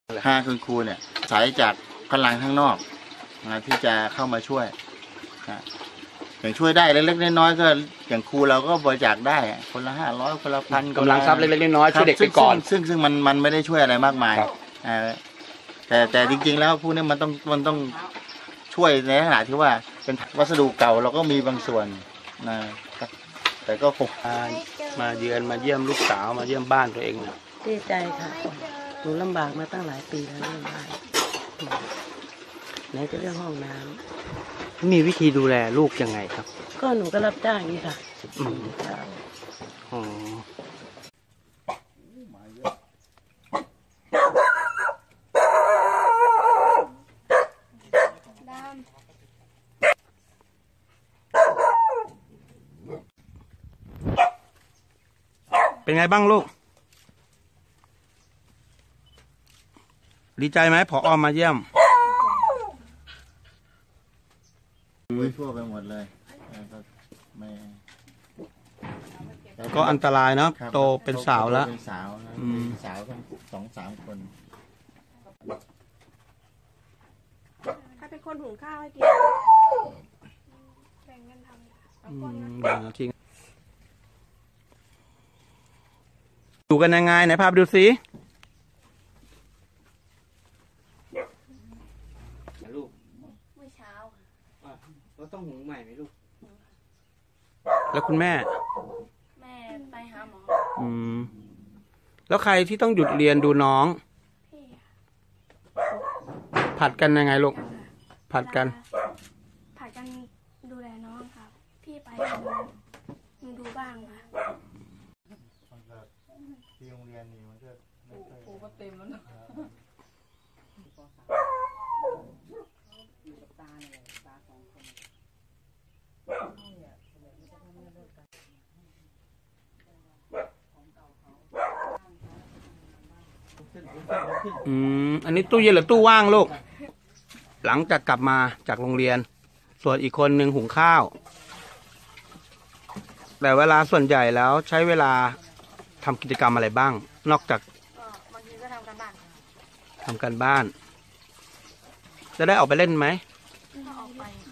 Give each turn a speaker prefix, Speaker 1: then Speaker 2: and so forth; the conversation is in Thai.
Speaker 1: 5คุณครูเนี่ยสายจากพลังข้างนอกที่จะเข้ามาช่วยอย่างช่วยได้เล็กๆน้อยๆก็อย่างครูเราก็บริจาคได้คนละ500คนละ1,000
Speaker 2: กำลังทรัพย์เล็กๆน้อยๆช่วยเด็กไปก่อน
Speaker 1: ซึ่งมันไม่ได้ช่วยอะไรมากมายแต่จริงๆแล้วพวกนี้มันต้องช่วยในขณะที่ว่าเป็นวัสดุเก่าเราก็มีบางส่วนนะครับแต่ก็คง
Speaker 2: มาเยือนมาเยี่ยมลูกสาวมาเยี่ยมบ้านตัวเอง
Speaker 3: ดีใจค่ะหนูลำบากมาตั้งหลายปีแล้วเรื่องบ้านไหนจะเรื่องห้องน้ำ
Speaker 2: มีวิธีดูแลลูกยังไงครับ
Speaker 3: ก็หนูก็รับจ้างนี่ค่ะ
Speaker 2: เป็นไงบ้างลูกดีใจไหมผอ.มาเยี่ยม
Speaker 1: ทั่วไปหมดเลย
Speaker 2: ก็อันตรายเนาะโตเป็นสาวแล้ว
Speaker 1: เป็นสาวทั้ง2-3 คน
Speaker 4: ใครเป็นคนหุงข้าวให้กินแบ่งกันทำ
Speaker 2: ทิ้งอยู่กันยังไงไหนพาไปดูสิลูก
Speaker 4: เมื่อเช้า
Speaker 2: เราต้องหุงใหม่ไหมลูกแล้วคุณแม่
Speaker 4: ไปหาหมอ
Speaker 2: แล้วใครที่ต้องหยุดเรียนดูน้อง
Speaker 4: พี่
Speaker 2: ผัดกันยังไงลูกผัดกัน
Speaker 4: ดูแลน้องครับพี่ไปหนูดูบ้างค่ะ
Speaker 1: ที่โรงเรียนนี่มันก็ครูก็เต็มแล้วเนาะ
Speaker 2: อันนี้ตู้เย็นหรือตู้ว่างลูกหลังจากกลับมาจากโรงเรียนส่วนอีกคนหนึ่งหุงข้าวแต่เวลาส่วนใหญ่แล้วใช้เวลาทำกิจกรรมอะไรบ้างนอกจาก
Speaker 4: บางทีก็ทำการบ้าน
Speaker 2: จะได้ออกไปเล่นไหม
Speaker 4: ก็ออกไป